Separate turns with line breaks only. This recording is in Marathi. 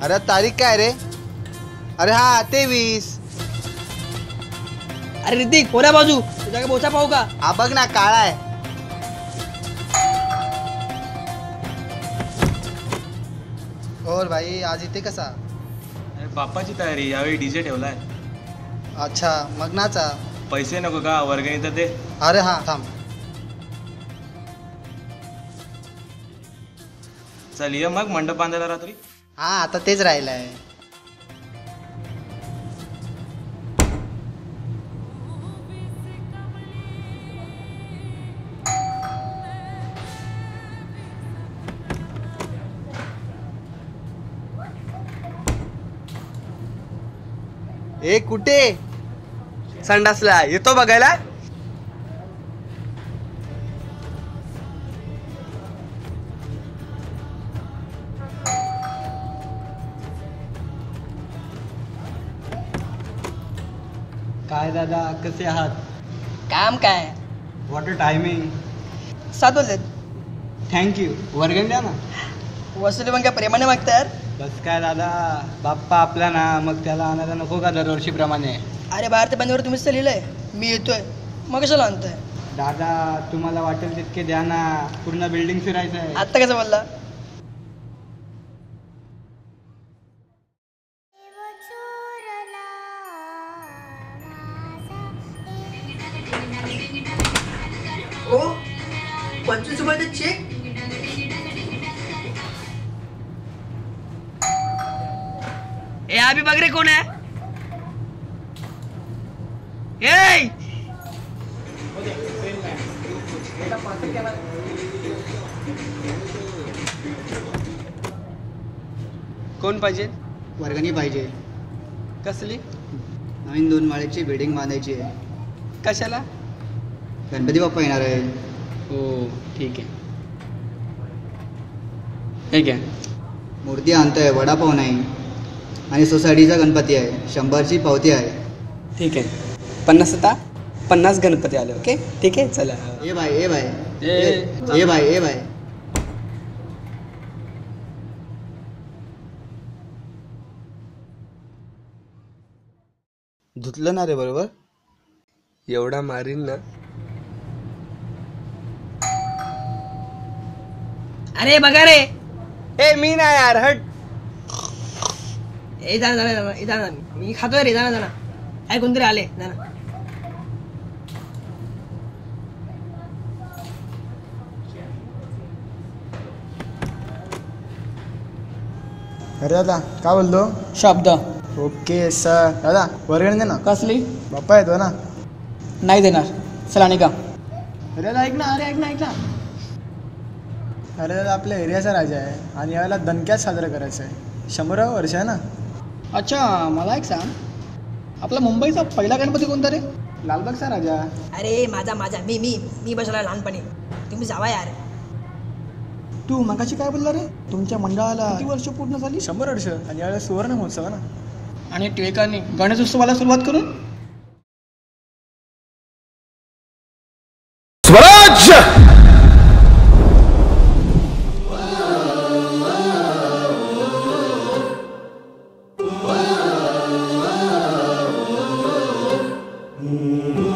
अरे तारीख काय रे? अरे हा 23.
अरे ऋतिक कोण्या बाजू तुझ्या काय बोचा पाहू का?
हा बघ ना काळा आहे. और भाई आज इथे कसा?
बाप्पाची तयारी, यावेळी डीजे ठेवलाय.
अच्छा मग्नाचा.
पैसे नको का? वर्गणी तर दे.
अरे हा थांब.
चल ये मग मंडप बांधायला रात्री.
हा आता तेच राहिलंय. ए कुठे?
संडासला येतो बघायला.
काय दादा कसे आहात?
काम काय?
What a timing.
7 वाजलेत.
थँक्यू. वर्गण द्या ना.
वसुली मग काय प्रेमाने मागतात?
बस काय दादा, बाप्पा आपला ना, मग त्याला आणायला नको का दरवर्षीप्रमाणे?
अरे बाहेर ते बंदवर तुम्हीच तर लिहिलंय, मी येतोय, मग कशाला आणताय?
दादा तुम्हाला वाटेल तितके द्या ना, पूर्ण बिल्डिंग फिरायचं आहे.
आत्ता कसं बोलला? ओ 25 रुपयाचा चेक. ए अभी बघ रे कोण आहे? ए
कोण पाहिजे?
वर्गणी पाहिजे.
कसली?
नवीन 2 माळ्याची बिल्डिंग बांधायची आहे.
कशाला?
गणपती बाप्पा येणार आहे.
हो ठीक आहे. ठीक आहे.
मूर्ती आणतोय, वडापाव नाही, आणि सोसायटीचा गणपती आहे. 100ची पावती आहे.
ठीक आहे. 50 आता 50 गणपती आले. ओके ठीक आहे चला.
ए भाई ए भाई
ए.
ए भाई ए भाई. धुतलं ना रे बरोबर?
एवढा मारीन ना.
अरे बघा रे.
ए मी नाही यार, हट.
ए जाना मी खातोय रे. जाना काय कोणतरी आले. जाना.
अरे दादा काय बोलतो?
शब्द.
Okay sir. दादा वर्गणी दे ना.
कसली?
बाप्पा येतो ना.
नाही देणार. चला निघा.
अरे दादा ऐक ना. ऐक ना. अरे दादा आपल्या एरियाचा राजा आहे आणि यावेळेला दणक्यात साजरा करायचं आहे. 100 वर्ष आहे ना.
अच्छा मला एक सांग, आपला मुंबईचा पहिला गणपती कोणता रे?
लालबागचा राजा.
अरे माझा मी बसला लहानपणी. तुम्ही जावा यार.
तू मगाशी काय बोलला रे? तुमच्या मंडळाला किती वर्ष पूर्ण झाली? 100 वर्ष. आणि यावेळेला सुवर्ण महोत्सव ना.
आणि टिळकांनी गणेश उत्सवाला सुरुवात करून
स्वराज्य
Mm-hmm.